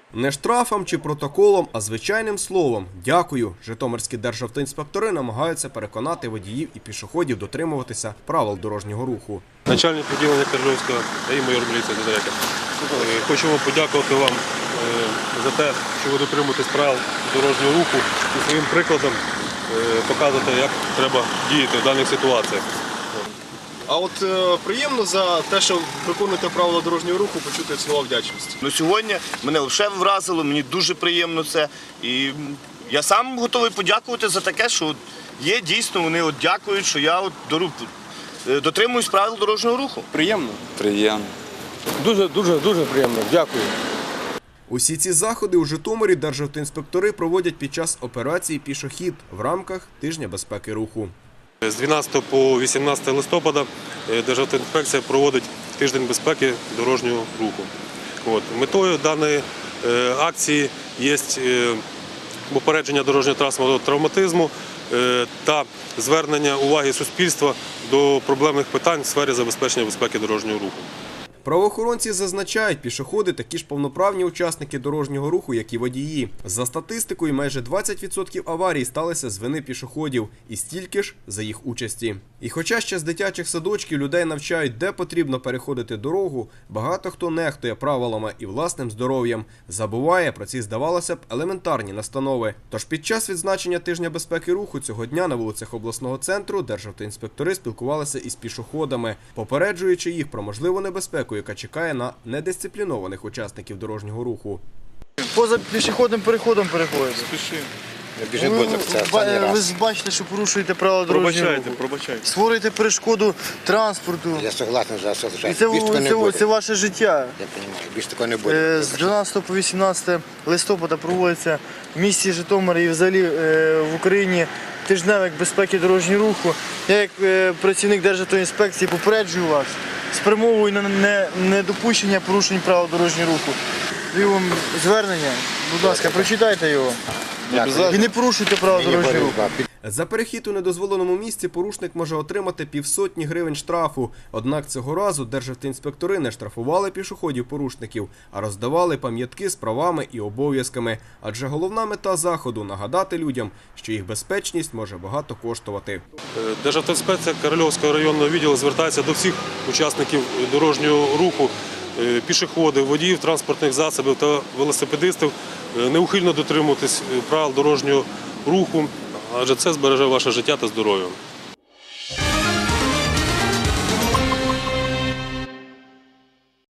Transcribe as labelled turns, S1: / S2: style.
S1: Не штрафом чи протоколом, а звичайним словом «дякую» житомирські державтоінспектори намагаються переконати водіїв і пішоходів дотримуватися правил дорожнього руху.
S2: Начальник відділення Кержовського і майор міліції Дозаряка. Хочемо подякувати вам за те, що ви дотримуєтесь правил дорожнього руху і своїм прикладом показуєте, як треба діяти в даних ситуаціях.
S3: А от приємно за те, що виконуєте правила дорожнього руху, почути слова вдячності.
S4: Сьогодні мене лише вразило, мені дуже приємно це. І я сам готовий подякувати за таке, що є дійсно, вони дякують, що я дотримуюсь правил дорожнього руху.
S3: Приємно?
S5: Приємно.
S3: Дуже приємно. Дякую.
S1: Усі ці заходи у Житомирі державтоінспектори проводять під час операції «Пішохід» в рамках Тижня безпеки руху.
S2: З 12 по 18 листопада Державтоінспекція проводить тиждень безпеки дорожнього руху. Метою даної акції є попередження дорожньо-транспортного травматизму та звернення уваги суспільства до проблемних питань в сфері забезпечення безпеки дорожнього руху.
S1: Правоохоронці зазначають, пішоходи такі ж повноправні учасники дорожнього руху, як і водії. За статистикою, майже 20% аварій сталися з вини пішоходів і стільки ж за їх участі. І хоча ще з дитячих садочків людей навчають, де потрібно переходити дорогу, багато хто нехтує правилами і власним здоров'ям, забуває про ці, здавалося б, елементарні настанови. Тож під час відзначення Тижня безпеки руху цього дня на вулицях обласного центру державтоінспектори спілкувалися із пішоходами, попереджуючи їх про можливу небезпеку, яка чекає на недисциплінованих учасників дорожнього руху.
S6: Поза пішохідним переходом переходите. Ви ж бачите, що порушуєте правила дорожнього руху.
S3: Пробачайте.
S6: Створюєте перешкоду транспорту.
S7: Я согласен за
S6: І це ваше життя.
S7: Я розумію, більше такого не буде.
S6: З 12 по 18 листопада проводиться в місті Житомир і взагалі в Україні тижневик безпеки дорожнього руху. Я як працівник Державтоінспекції попереджую вас, спрямовую на недопущення порушень правил дорожнього руху. Даю вам звернення, будь ласка, прочитайте його. І не порушуйте правила дорожнього руху.
S1: За перехід у недозволеному місці порушник може отримати 50 гривень штрафу. Однак цього разу державтоінспектори не штрафували пішоходів-порушників, а роздавали пам'ятки з правами і обов'язками. Адже головна мета заходу – нагадати людям, що їх безпечність може багато коштувати.
S2: Державтоінспекція Корольовського районного відділу звертається до всіх учасників дорожнього руху, пішоходів, водіїв транспортних засобів та велосипедистів неухильно дотримуватись правил дорожнього руху, адже це збереже ваше життя та здоров'я.